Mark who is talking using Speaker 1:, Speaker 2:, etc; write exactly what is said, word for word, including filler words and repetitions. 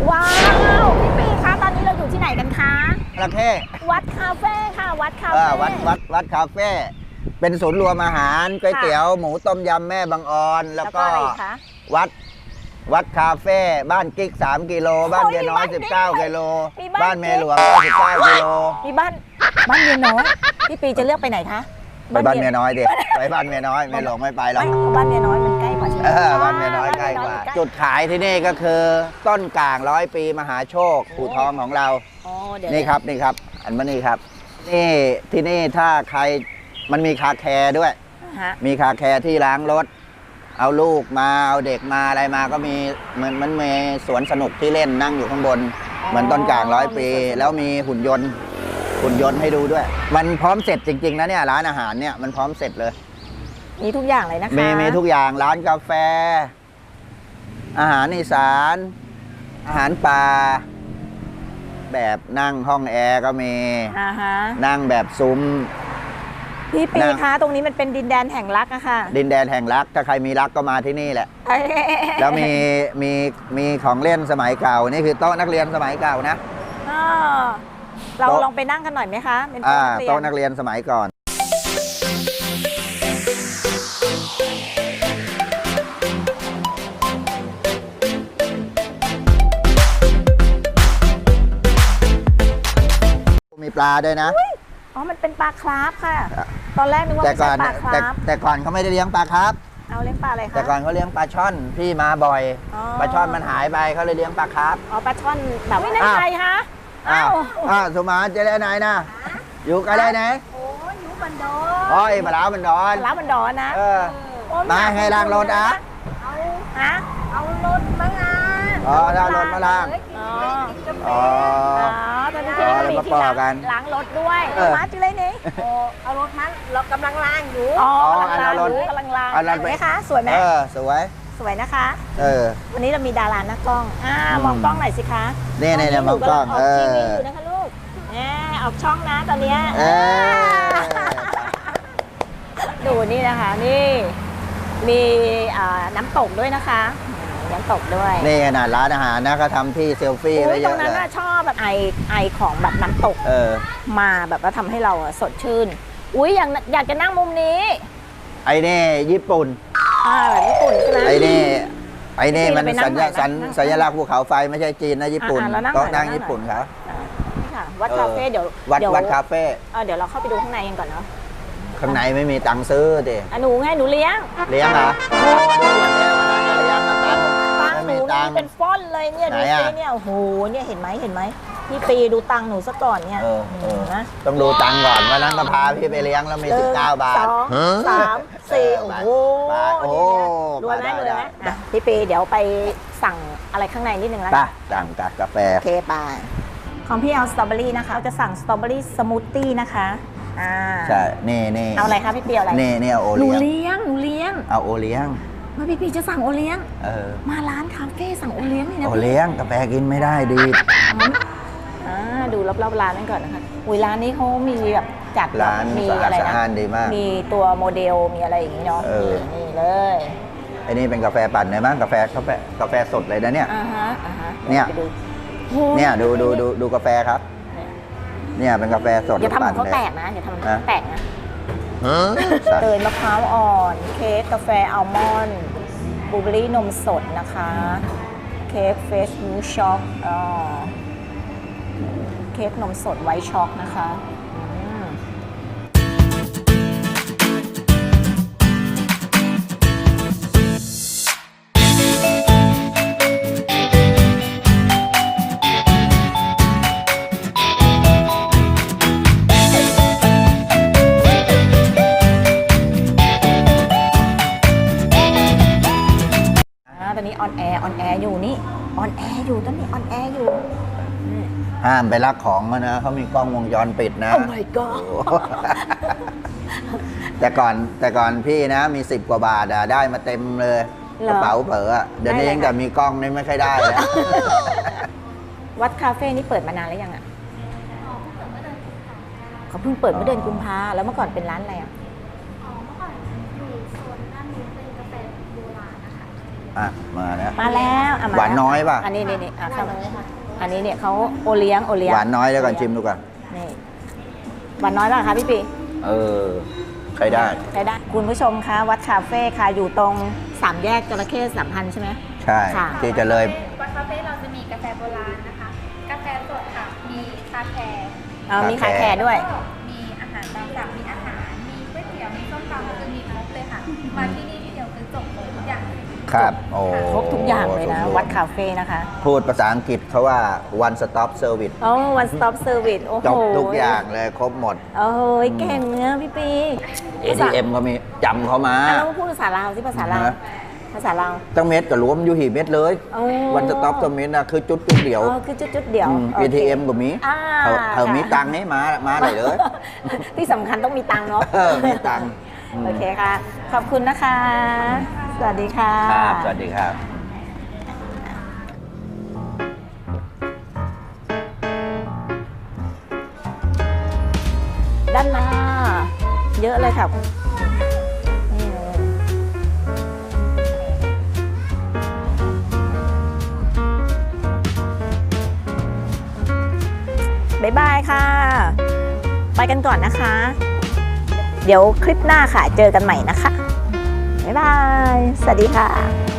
Speaker 1: ว้าวพี่ปีคะตอนนี้เราอยู่ที่ไหนกันคะ
Speaker 2: ประเทศ
Speaker 1: วัดคาเฟ่ค่ะวัดคาเฟ่
Speaker 2: วัดวัดวัดคาเฟ่เป็นศูนย์รวมอาหารก๋วยเตี๋ยวหมูต้มยำแม่บางออนแล้วก็วัดวัดคาเฟ่บ้านกิ๊กสามกิโลบ้านเมียน้อยสิบเก้ากิโลบ้านเมียหลวงสิบเก้ากิโล
Speaker 1: มีบ้านบ้านเมียน้อยพี่ปีจะเลือกไปไหนคะ
Speaker 2: ไปบ้านเมียน้อยดิไปบ้านเมียน้อยเมียหลวงไม่ไปหรอก
Speaker 1: บ้านเมียน้อยมันใกล้กว่าใช่ไหม
Speaker 2: บ้านเมียน้อยใกล้กว่าจุดขายที่นี่ก็คือต้นก่างร้อยปีมหาโชคอู่ทองของเรานี่ครับนี่ครับอันนี้ครับนี่ที่นี่ถ้าใครมันมีคาแคร์ด้วยมีคาแคร์ที่ล้างรถเอาลูกมาเอาเด็กมาอะไรมาก็มีเหมือนมันมีสวนสนุกที่เล่นนั่งอยู่ข้างบนเหมือนต้นกลางร้อยปีแล้วมีหุ่นยนต์หุ่นยนต์ให้ดูด้วยมันพร้อมเสร็จจริงๆนะเนี่ยร้านอาหารเนี่ยมันพร้อมเสร็จเลย
Speaker 1: มีทุกอย่างเลยนะคะ
Speaker 2: มีมีทุกอย่างร้านกาแฟอาหารอีสานอาหารป่าแบบนั่งห้องแอร์ก็มีนั่งแบบซุ้ม
Speaker 1: พี่ปีคะตรงนี้มันเป็นดินแดนแห่งรักอะค่ะ
Speaker 2: ดินแดนแห่งรักถ้าใครมีรักก็มาที่นี่แหละแล้วมีมีมีของเล่นสมัยเก่านี่คือโต๊ะนักเรียนสมัยเก่านะ
Speaker 1: เราลองไปนั่งกันหน่อยไหมคะเป็น
Speaker 2: โต๊ะนักเรียนสมัยก่อนมีปลาด้วยนะ
Speaker 1: อ๋อมันเป็นปลาคราฟค่ะตอนแรกนึกว่าเป็นปลาคราฟ
Speaker 2: แต่ก่อนเขาไม่ได้เลี้ยงปลาคราฟ
Speaker 1: เอาเลี้ยงปลาอะไรคะ
Speaker 2: แต่ก่อนเขาเลี้ยงปลาช่อนพี่มาบ่อยปลาช่อนมันหายไปเขาเลยเลี้ยงปลาคราฟ
Speaker 1: อ๋อปลาช่อนแบบไม่ใช่คะ
Speaker 2: อ้าวอ้าวสุมาจะได้ไหนนะอยู่กันได้ไหน
Speaker 1: โอ้ยอยู่บันดอน
Speaker 2: โอ้ยปลาบันดอน
Speaker 1: ปลาบันดอนนะ
Speaker 2: มาให้ล้างรถอ่ะ
Speaker 1: เอาฮะเอารถมาล้าง
Speaker 2: อ๋อล้างรถมาล้างอ๋อ
Speaker 1: ตอนนี้ที่นี่มีที่ล้างรถด้วยมาจุเลยนี่เอารถมาเรากำลังล้างอยู่อ๋อกำลังล้างกำลังล้างไหมคะสวยไหม
Speaker 2: เออสวย
Speaker 1: สวยนะคะ
Speaker 2: เออ
Speaker 1: วันนี้เรามีดาราหน้ากล้องอ่ามองกล้องหน่อยสิคะ
Speaker 2: นี่นี่มองกล้อง
Speaker 1: เออทีวีอยู่นะคะลูกแหมออกช่องนะตอนนี้ดูนี่นะคะนี่มีน้ำตกด้วยนะคะน้ำตกด้วย
Speaker 2: นี่ขนาดร้านอาหารนะเขาทำที่เซลฟี่ไว้เยอะเลยตรง
Speaker 1: นั้นชอบแบบไอไอของแบบน้ำตก
Speaker 2: เออ
Speaker 1: มาแบบว่าทำให้เราสดชื่นอุ้ยอยากอยากจะนั่งมุมนี้
Speaker 2: ไอ้นี่ญี่ปุ่น
Speaker 1: อ่าแบบญี่ปุ่นใช่ไหม
Speaker 2: ไอ้นี่ไอ้นี่มันสัญสัญสัญลักษณ์ภูเขาไฟไม่ใช่จีนนะญี่ปุ่นโต๊ะนั่งญี่ปุ่นครับ
Speaker 1: นี่ค่ะวัดคาเฟ่เดี๋ยว
Speaker 2: วัดวัดคาเฟ่
Speaker 1: เดี๋ยวเราเข้าไปดูข้างในกันก่อนเนาะ
Speaker 2: ข้างในไม่มีตังค์ซื้อดิ
Speaker 1: หนูไงหนูเลี้ยง
Speaker 2: เลี้ยงเหรอโอ้เลี้ยงมาตังค์
Speaker 1: ตังค์หนูนี่เป็นฟ้อนเลยเนี่ยดูสิเนี่ยโอ้โหเนี่ยเห็นไหมเห็นไหมพี่ปีดูตังค์หนูซะก่อนเนี่ย
Speaker 2: นะต้องดูตังค์ก่อนวันนั้นก็พาพี่ไปเลี้ยงแล้วมีสิบเก้าบาท
Speaker 1: สองสามสี่โอ้โห
Speaker 2: โอ้
Speaker 1: รวยไหมรวยไหมพี่ปีเดี๋ยวไปสั่งอะไรข้างในนิดนึงแล้ว
Speaker 2: กันสั่งกาแฟ
Speaker 1: โอเคไปของพี่เอาสตรอเบอรี่นะคะจะสั่งสตรอเบอรี่สมูทตี้นะคะอ่า
Speaker 2: ใช่นี่นี่
Speaker 1: เอาอะไรคะพี่ปีอะไร
Speaker 2: นี่นี่เอาโอ
Speaker 1: เลี้ยงหนู
Speaker 2: เลี้
Speaker 1: เลี้ยงหนูเลี้ยง
Speaker 2: เอาโอเลี้ยง
Speaker 1: มาพี่ปีจะสั่งโอเลี้ยง
Speaker 2: เออ
Speaker 1: มาร้านคาเฟ่สั่งโอเลี้ยงนี่นะ
Speaker 2: โอเลี้ยงกาแฟกินไม่ได้ดี
Speaker 1: อ่าดูรอบๆร้านนั่นก่อนนะคะอุ้ยร้านนี้เขามีแบบจัด
Speaker 2: ร้าน
Speaker 1: มี
Speaker 2: อะไรนะดีมาก
Speaker 1: มีตัวโมเดลมีอะไรอย่างนี้เนาะนี่เลย
Speaker 2: ไอ้นี่เป็นกาแฟปั่นเลยมั้งกาแฟกาแฟกาแฟสดเลยนะเนี่ย
Speaker 1: อ่าฮะอ่าฮะ
Speaker 2: เนี่ยเนี่ยดูดูดูดูกาแฟครับเนี่ยเป็นกาแฟสด
Speaker 1: อย่าทำเขาแตกนะอย่าทำเขาแตกนะเตยมะพร้าวอ่อนเค้กกาแฟอัลมอนด์บลูเบอร์รี่นมสดนะคะเค้กเฟสมิลค์ช็อกอ๋อเค้กนมสดไวท์ช็อกนะคะตอนนี้ออนแอร์ออนแอร์อยู่นี่ออนแอร์อยู่ตอนนี้ออนแอร์อยู่
Speaker 2: ห้ามไปลักของนะเขามีกล้องวงจรปิดนะ
Speaker 1: โอ้ my god
Speaker 2: แต่ก่อนแต่ก่อนพี่นะมีสิบกว่าบาทอะได้มาเต็มเลยกระเป๋าเผลอเดี๋ยวนี้ยังแต่มีกล้องนี่ไม่ค่อยได้แล้ว
Speaker 1: วัดคาเฟ่นี่เปิดมานานแล้วยังอ่ะเขาเพิ่งเปิดเมื่อเดือนกุมภาแล้วเมื่อก่อนเป็นร้านอะไรอ่ะ
Speaker 3: อ๋อเมื่อก่อนอยู่โซนด้านนี้เป็นกาแฟโบราณนะคะ
Speaker 2: อ่ะมาแล้ว
Speaker 1: มาแล้วอ่ะม
Speaker 2: หวานน้อยป่ะ
Speaker 1: อันนี้นี่นี่อ่ะครับอันนี้เนี่ยเขาโอเลี้ยงโอเลี้ยง
Speaker 2: หวานน้อยแล้วก่อนชิมดูก่อน
Speaker 1: นี่หวานน้อยป่ะคะพี่ปี
Speaker 2: เออใช้ได้
Speaker 1: ใช้ได้คุณผู้ชมคะวัดคาเฟ่ค่ะอยู่ตรงสามแยกจระเข้สามพันใช่ไหม
Speaker 2: ใช่
Speaker 1: ค่ะ
Speaker 2: ที่จะเลย
Speaker 3: วัดคาเฟ่เราจะมีกาแฟโบราณนะคะ กาแฟสดค่ะ มีคาแคร์
Speaker 1: เออมีคาแคร์ด้วย
Speaker 3: ก็มีอาหารตามสั่งมีอาหาร มีก๋วยเตี๋ยว มีส้มตำคือมีครบเลยค่ะ มาที่นี่ที่เดียวคือจบเลยทุกอย่างเลย
Speaker 2: ครับโอ้
Speaker 1: ครบทุกอย่างเลยนะ
Speaker 2: สมบูรณ์
Speaker 1: วัดคาเฟ่นะคะ
Speaker 2: พูดภาษาอังกฤษเขาว่า one stop service
Speaker 1: โอ้ one stop service โอ้โห
Speaker 2: จบทุกอย่างเลยครบหมด
Speaker 1: โอ้ยเก่งเนื้อะพี่ปี
Speaker 2: เอ ที เอ็ม ก็มีจำเขามา
Speaker 1: อ่ะแล้วพูดภาษาลาวที่ภาษาลาว
Speaker 2: ฮะ
Speaker 1: ภาษาลาว
Speaker 2: ตั้งเม็ดกับรวมอยู่หีเม็ดเลย
Speaker 1: โอ้
Speaker 2: วันสต็อปสมิธนะคือจุดจุดเดียว
Speaker 1: อ๋อคือจุดๆเดียว
Speaker 2: อืม
Speaker 1: โอ
Speaker 2: เอ
Speaker 1: เค
Speaker 2: ทีเอ็มก็มี
Speaker 1: อ่า
Speaker 2: เขาเขา
Speaker 1: ค่ะ
Speaker 2: มีตังค์นี่มามาไหนเลย
Speaker 1: ที่สำคัญต้องมีตังค์เนาะ
Speaker 2: เออมีตังค์อืม
Speaker 1: โอเคค่ะ ขอบคุณนะคะ สวัสดีค่ะ
Speaker 2: ครับสวัสดีครับ
Speaker 1: ด้านหน้า เยอะเลยค่ะนี่เลยบ๊ายบายค่ะ ไปกันก่อนนะคะ เดี๋ยวคลิปหน้าค่ะ เจอกันใหม่นะคะ บ๊ายบาย สวัสดีค่ะ